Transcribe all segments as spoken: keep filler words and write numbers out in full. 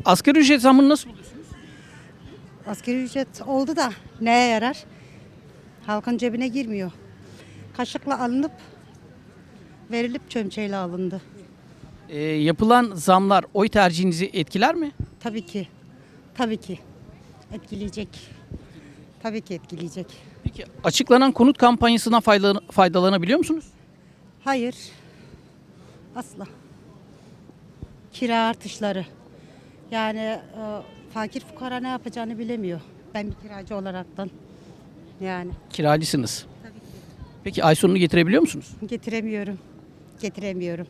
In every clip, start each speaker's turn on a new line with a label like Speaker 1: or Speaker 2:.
Speaker 1: Asgari ücret zammını nasıl buluyorsunuz?
Speaker 2: Asgari ücret oldu da neye yarar? Halkın cebine girmiyor. Kaşıkla alınıp verilip çömçeyle alındı.
Speaker 1: Ee, yapılan zamlar oy tercihinizi etkiler mi?
Speaker 2: Tabii ki. Tabii ki. Etkileyecek. Tabii ki etkileyecek.
Speaker 1: Peki açıklanan konut kampanyasından faydalan- faydalanabiliyor musunuz?
Speaker 2: Hayır. Asla. Kira artışları. Yani e, fakir fukara ne yapacağını bilemiyor. Ben bir kiracı olaraktan. Yani
Speaker 1: Kiracısınız. Peki ay sonunu getirebiliyor musunuz?
Speaker 2: getiremiyorum. Getiremiyorum.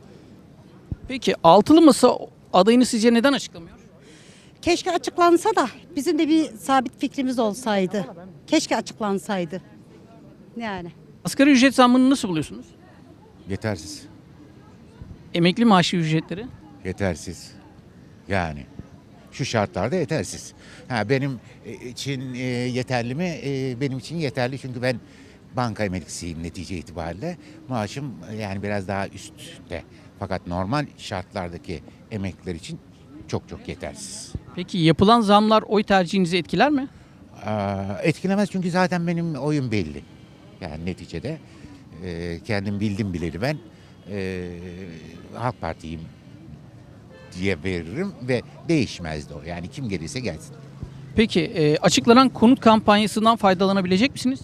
Speaker 1: Peki altılı masa adayını sizce neden açıklamıyor?
Speaker 2: Keşke açıklansa da bizim de bir sabit fikrimiz olsaydı. Keşke açıklansaydı. Yani.
Speaker 1: Asgari ücret zammını nasıl buluyorsunuz?
Speaker 3: Yetersiz.
Speaker 1: Emekli maaşı ücretleri?
Speaker 3: Yetersiz. Yani şu şartlarda yetersiz. Ha benim e, için e, yeterli mi? E, benim için yeterli çünkü ben banka emeklisiyim netice itibariyle. Maaşım e, yani biraz daha üstte. Fakat normal şartlardaki emekliler için çok çok yetersiz.
Speaker 1: Peki yapılan zamlar oy tercihinizi etkiler mi?
Speaker 3: Aa, etkilemez çünkü zaten benim oyun belli. Yani neticede e, kendim bildim bileli ben e, Halk Parti'yim diye veririm ve değişmez de o. Yani kim gelirse gelsin.
Speaker 1: Peki e, açıklanan konut kampanyasından faydalanabilecek misiniz?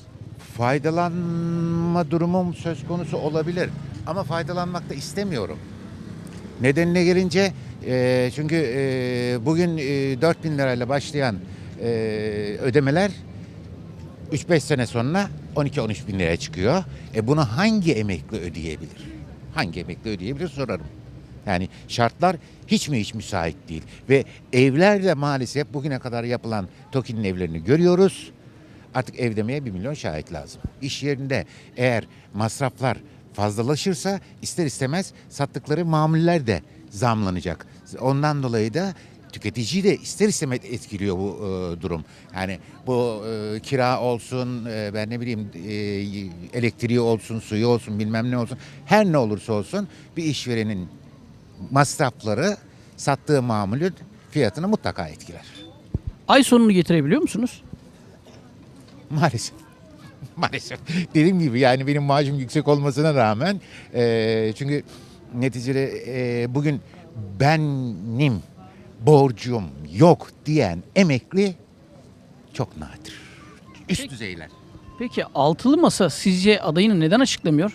Speaker 3: Faydalanma durumum söz konusu olabilir ama faydalanmak da istemiyorum. Nedenine gelince e, çünkü e, bugün e, dört bin lirayla başlayan e, ödemeler üç beş sene sonra on iki on üç bin liraya çıkıyor. E bunu hangi emekli ödeyebilir? Hangi emekli ödeyebilir sorarım. Yani şartlar hiç mi hiç müsait değil. Ve evler de maalesef bugüne kadar yapılan TOKİ'nin evlerini görüyoruz. Artık ev demeye bir milyon şahit lazım. İş yerinde eğer masraflar fazlalaşırsa ister istemez sattıkları mamuller de zamlanacak. Ondan dolayı da tüketiciyi de ister istemez etkiliyor bu e, durum. Yani bu e, kira olsun, e, ben ne bileyim e, elektriği olsun, suyu olsun, bilmem ne olsun. Her ne olursa olsun bir işverenin masrafları sattığı mamulün fiyatını mutlaka etkiler.
Speaker 1: Ay sonunu getirebiliyor musunuz?
Speaker 3: Maalesef. Maalesef. Dediğim gibi yani benim maaşım yüksek olmasına rağmen e, çünkü neticede e, bugün benim borcum yok diyen emekli çok nadir. Üst
Speaker 1: Peki.
Speaker 3: düzeyler.
Speaker 1: Peki altılı masa sizce adayını neden açıklamıyor?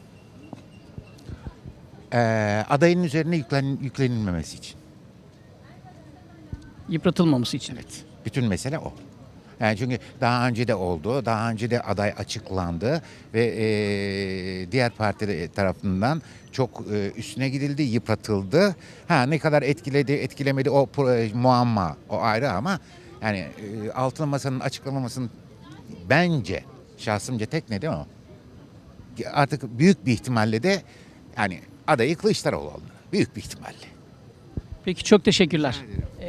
Speaker 3: E, adayın üzerine yüklen, yüklenilmemesi için.
Speaker 1: Yıpratılmaması için.
Speaker 3: Evet. Bütün mesele o. Yani çünkü daha önce de oldu, daha önce de aday açıklandı ve e, diğer partiler tarafından çok e, üstüne gidildi, yıpratıldı. Ha ne kadar etkiledi, etkilemedi o pro- muamma, o ayrı ama yani e, altılı masanın açıklamamasının bence şahsımca tek nedeni o. Artık büyük bir ihtimalle de yani adayı Kılıçdaroğlu oldu. Büyük bir ihtimalle.
Speaker 1: Peki çok teşekkürler.